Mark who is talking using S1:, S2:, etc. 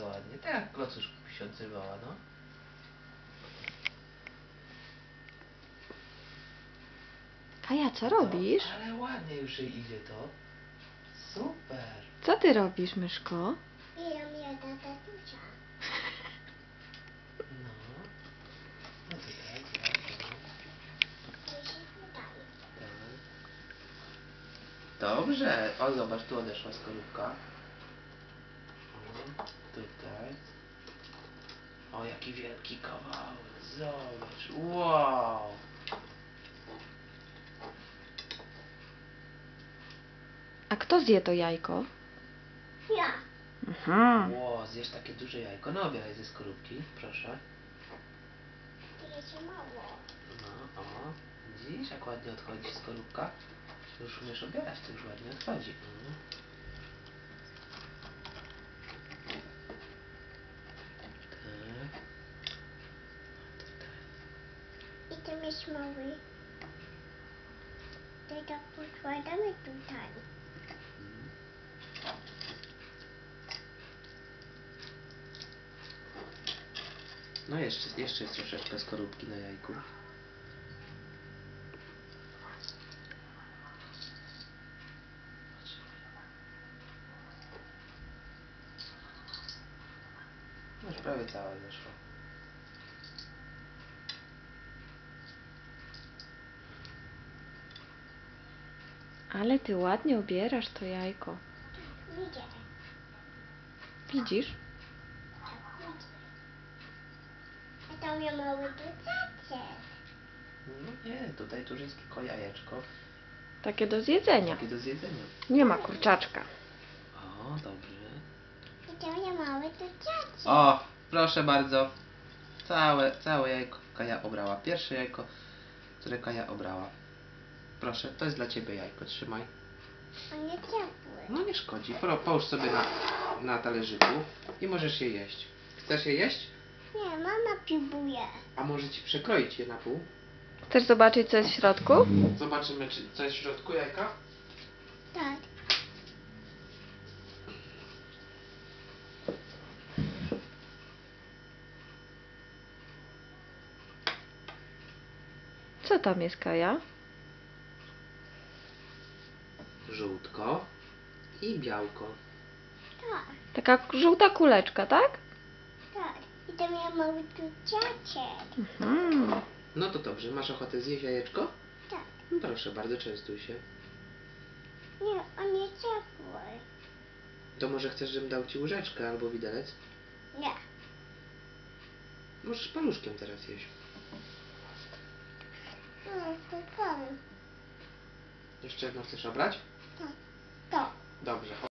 S1: ładnie. Tak jak klocuszku się odzywała, no.
S2: Kaja, co robisz?
S1: No, ale ładnie już jej idzie to. Super.
S2: Co ty robisz, myszko?
S3: Ja tatusia.
S1: No. No tutaj, tak, no.
S3: Jeśli tutaj.
S1: Tak. Dobrze. O, zobacz, tu odeszła skorupka. O, tutaj. O, jaki wielki kawałek. Zobacz. Wow.
S2: A kto zje to jajko?
S3: Ja.
S1: Wow, zjesz takie duże jajko. No, obieraj ze skorupki, proszę.
S3: To jeszcze mało.
S1: No, o. Widzisz, jak ładnie odchodzi skorupka? Już umiesz obierać, to już ładnie odchodzi. Tak.
S3: I tam jest mały. To tak podkładamy tutaj.
S1: No jeszcze jest troszeczkę skorupki na jajku. Już prawie całe zeszło.
S2: Ale ty ładnie obierasz to jajko.
S3: Widzę.
S2: Widzisz?
S3: Tak widzę. A tam ja mały dodatek.
S1: No nie, tutaj tu już jest tylko jajeczko.
S2: Takie do zjedzenia.
S1: Takie do zjedzenia.
S2: Nie ma kurczaczka.
S1: O, dobrze.
S3: I tam ja mały dodatek.
S1: O, proszę bardzo. Całe jajko Kaja obrała. Pierwsze jajko, które Kaja obrała. Proszę, to jest dla ciebie jajko. Trzymaj.
S3: On nie ciepły.
S1: No nie szkodzi. Połóż sobie na talerzyku i możesz je jeść. Chcesz je jeść?
S3: Nie, mama próbuje.
S1: A może ci przekroić je na pół?
S2: Chcesz zobaczyć, co jest w środku?
S1: Zobaczymy, co jest w środku jajka.
S3: Tak.
S2: Co tam jest, Kaja?
S1: Żółtko i białko.
S3: Tak.
S2: Taka żółta kuleczka, tak?
S3: Tak. I tam ja mały dodatek.
S1: No to dobrze. Masz ochotę zjeść jajeczko?
S3: Tak.
S1: No proszę bardzo, częstuj się.
S3: Nie, on nie ciepły.
S1: To może chcesz, żebym dał ci łyżeczkę albo widelec?
S3: Nie.
S1: Możesz paluszkiem teraz jeść.
S3: No, to pan.
S1: Jeszcze jedno chcesz obrać?
S3: Tak. To.
S1: Dobrze.